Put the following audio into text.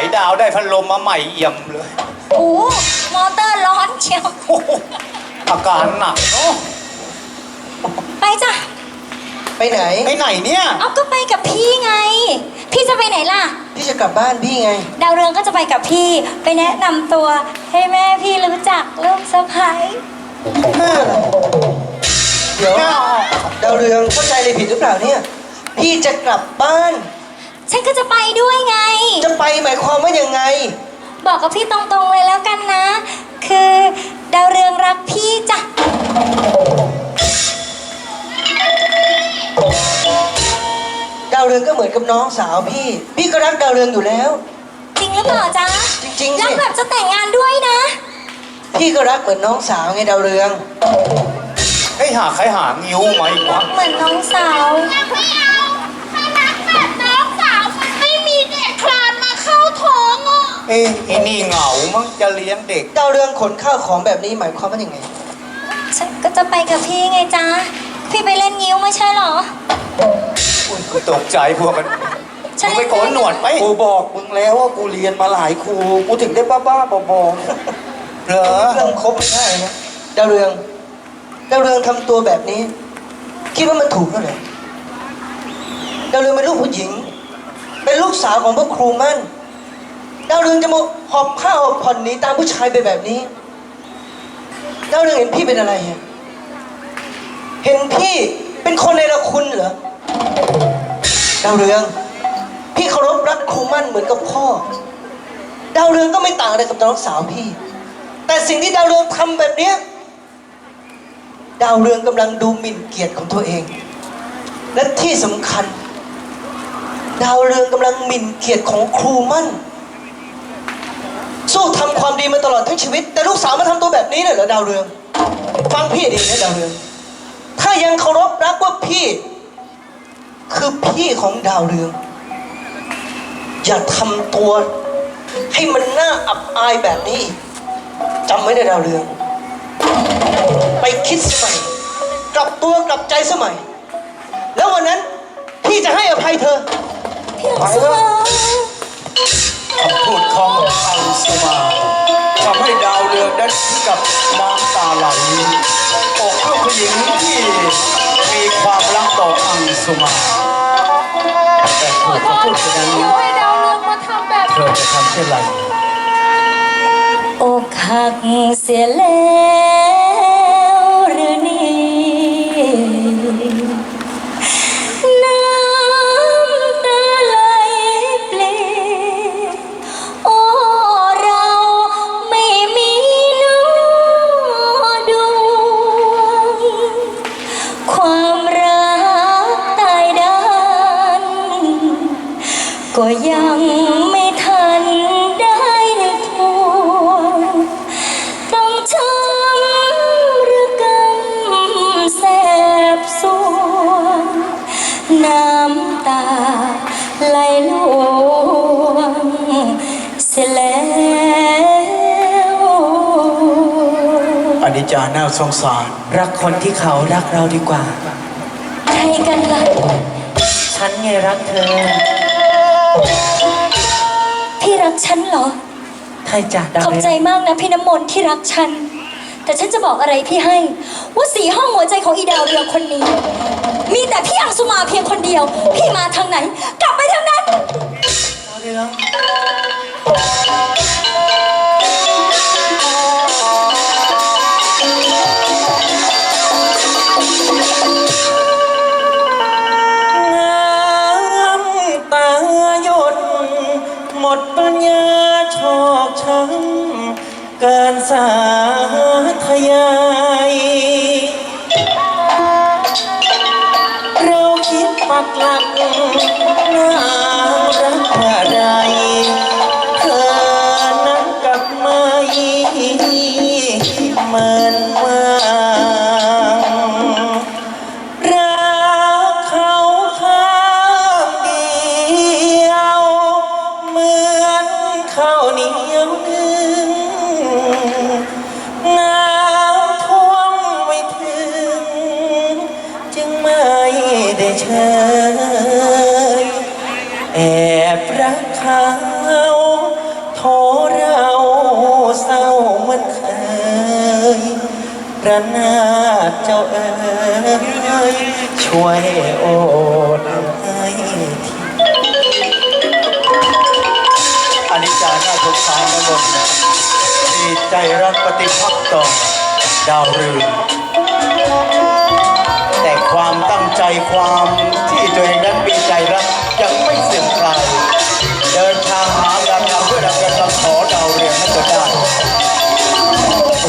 ดาวได้พัดลมมาใหม่เอี่ยมเลยโอ้มอเตอร์ร้อนเชียวอาการหนักเนาะไปจ้ะไปไหนไปไหนเนี่ยเอาก็ไปกับพี่ไงพี่จะไปไหนล่ะพี่จะกลับบ้านพี่ไงดาวเรืองก็จะไปกับพี่ไปแนะนำตัวให้แม่พี่รู้จักลูกสะใภ้เดี๋ยวดาวเรืองเข้าใจอะไรผิดหรือเปล่าเนี่ยพี่จะกลับบ้านฉันก็จะไปด้วยไงจะไปหมายความว่ายังไงบอกกับพี่ตรงๆเลยแล้วกันนะคือดาวเรืองรักพี่จ้ะดาวเรืองก็เหมือนกับน้องสาวพี่ก็รักดาวเรืองอยู่แล้วจริงหรือเปล่าจ๊ะจริงๆรักแบบจะแต่งงานด้วยนะพี่ก็รักเหมือนน้องสาวไงดาวเรืองให้หาใครหางิ้วไหมวะเหมือนน้องสาวไม่เอาถ้ารักแบบน้องสาวมันไม่มีเด็กคลานมาเข้าท้องอ่ะไอ้นี่เหงามั้งจะเลี้ยงเด็กดาวเรืองขนข้าวของแบบนี้หมายความว่ายังไงฉันก็จะไปกับพี่ไงจ๊ะพี่ไปเล่นงิ้วไม่ใช่หรอกูตกใจพวกมันมึงไปโกนหนวดไหมกูบอกมึงแล้วว่ากูเรียนมาหลายครูกูถึงได้บ้าๆบอๆเหรอเรื่องครบไม่ได้นะดาวเรืองทำตัวแบบนี้คิดว่ามันถูกแล้วเหรอดาวเรืองเป็นลูกผู้หญิงเป็นลูกสาวของพระครูมั่นดาวเรืองจะมาหอบผ้าหอบผ่อนหนีตามผู้ชายไปแบบนี้ดาวเรืองเห็นพี่เป็นอะไรเห็นพี่เป็นคนในละคุณเหรอดาวเรืองพี่เคารพรักครูมั่นเหมือนกับพ่อดาวเรืองก็ไม่ต่างอะไรกับน้องสาวพี่แต่สิ่งที่ดาวเรืองทำแบบเนี้ยดาวเรืองกำลังดูหมิ่นเกียรติของตัวเองและที่สำคัญดาวเรืองกำลังหมิ่นเกียรติของครูมั่นสู้ทำความดีมาตลอดทั้งชีวิตแต่ลูกสาวมาทำตัวแบบนี้เลยเหรอดาวเรืองฟังพี่ดีนะดาวเรืองถ้ายังเคารพรักว่าพี่คือพี่ของดาวเรืองอย่าทำตัวให้มันน่าอับอายแบบนี้จำไว้นะดาวเรืองไปคิดสมัยกลับตัวกลับใจสมัยแล้ววันนั้นพี่จะให้อภัยเธอไปแล้วคำพูดของอังสุมาทำให้ดาวเรืองได้ถึงกับน้ำตาไหลอกลูกผู้หญิงที่มีความรักต่ออังสุมาแต่ถูกเขาพูดเช่นนั้นเธอจะทำเช่นไรอกหักเสียแล้วหรือนี่น้ำตาไหลเปลี่ยนโอ้เราไม่มีน้อดวงความรักตายด้านก็ยังไม่ทันได้นึกทวนต้องช้ำหรือกำแสบสวงน้ำตาไหลลวงเสียแล้วอนิจจาน่าสงสารรักคนที่เขารักเราดีกว่าใครกันล่ะฉันไงรักเธอพี่รักฉันเหรอใช่จ้ะขอบใจมากนะพี่น้ำมนต์ที่รักฉันแต่ฉันจะบอกอะไรพี่ให้ว่าสี่ห้องหัวใจของอีดาวเรืองคนนี้มีแต่พี่อังสุมาเพียงคนเดียวพี่มาทางไหนกลับไปทางนั้นดาวเรืองหมดปัญญาชอกช้ำเกินสาธยายเราคิดปักหลักน่ารักอะไรเธอนั้นกลับมาเหมือนว่าข้าวเหนียวนึ่งน้ำท่วมไม่ถึงจึงไม่ได้เชยแอบรักเขาระนาดเจ้าเอ๋ยช่วยโอดให้ทีอนิจจาน่าสงสารนะมนมีใจรักปฏิภาคต่อดาวเรืองแต่ความตั้งใจความ